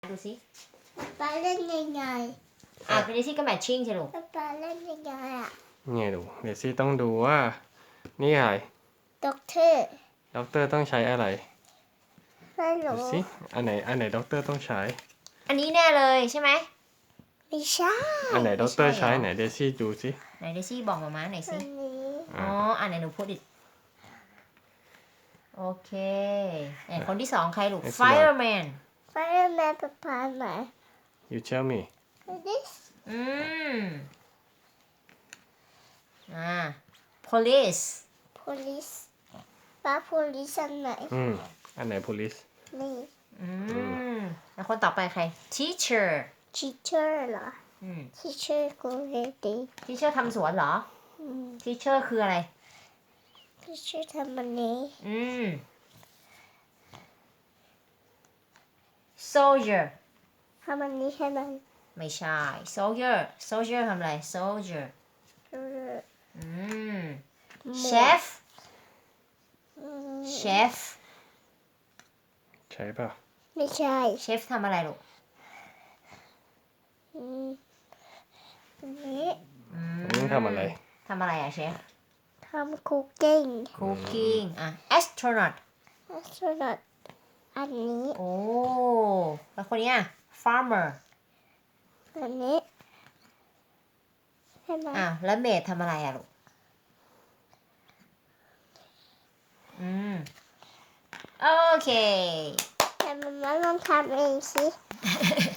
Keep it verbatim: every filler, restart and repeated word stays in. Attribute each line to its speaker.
Speaker 1: ดูสิ
Speaker 2: ป๊าเล่นยังไง
Speaker 1: อ่ะเดซี่ก็แมทชิ่งใช่ลูก
Speaker 2: ป๊าเล่นยังไงอ่ะ
Speaker 3: ไงดูเดซี่ต้องดูว่านี่อะไร
Speaker 2: ด็อกเตอร์
Speaker 3: ด็อกเตอร์ต้องใช้อะไร
Speaker 2: ไม่
Speaker 3: ดู
Speaker 2: รู้
Speaker 3: สิอันไหนอันไหนด็อกเตอร์ต้องใช้
Speaker 1: อันนี้แน่เลยใช่ไหม
Speaker 2: ไม่ใช่
Speaker 3: อันไหนด็อกเตอร์
Speaker 1: ไม่ใช่
Speaker 3: ใช้
Speaker 1: เหรอ
Speaker 3: ไหนเดซี่ดูสิ
Speaker 1: ไหนเดซี่บอกมาม่าหน่อย
Speaker 2: อั
Speaker 1: สิ
Speaker 2: นนี้
Speaker 1: อ๋ออ่านไหนหนูพูดดิโอเคไหนคนที่สองใครลูก fireman
Speaker 2: ไฟร์แมนป๊าป๊าไหน
Speaker 3: you tell me
Speaker 2: this
Speaker 1: อืมอ่า police
Speaker 2: police ป๊า police อันไหน
Speaker 3: อืมอันไหน police
Speaker 2: นี่
Speaker 1: อืมแล้วคนต่อไปใคร teacher
Speaker 2: teacher เหรอ
Speaker 1: อืม
Speaker 2: teacher กูเรดี
Speaker 1: teacher ทำสวนเหรอ
Speaker 2: อืม
Speaker 1: teacher คืออะไร
Speaker 2: teacher ทำอันนี้
Speaker 1: อืม soldier
Speaker 2: ทำอันนี้ใช่ไหม
Speaker 1: ไม่ใช่ soldier soldier ทำอะไร soldier
Speaker 2: เออ
Speaker 1: อืม
Speaker 2: หมวก
Speaker 1: chef
Speaker 2: อืม
Speaker 1: chef
Speaker 3: ใช่ป่ะ
Speaker 2: ไม่ใช่
Speaker 1: chef ทำอะไรลูก
Speaker 2: อืมอันนี้
Speaker 1: อื
Speaker 3: อันนี้ทำอะไร
Speaker 1: ทำอะไรอะเชฟ
Speaker 2: ทำคุกกิ้ง
Speaker 1: cooking อ่ะ astronaut
Speaker 2: สำหรับอันนี้
Speaker 1: โอ้ แล้วคนเนี้ย farmer
Speaker 2: อันนี้ใช่ไหม
Speaker 1: อ่ะแล้วเมดทำอะไรอะลูก อืม โอเค
Speaker 2: แต่มันมาลองทำเองสิ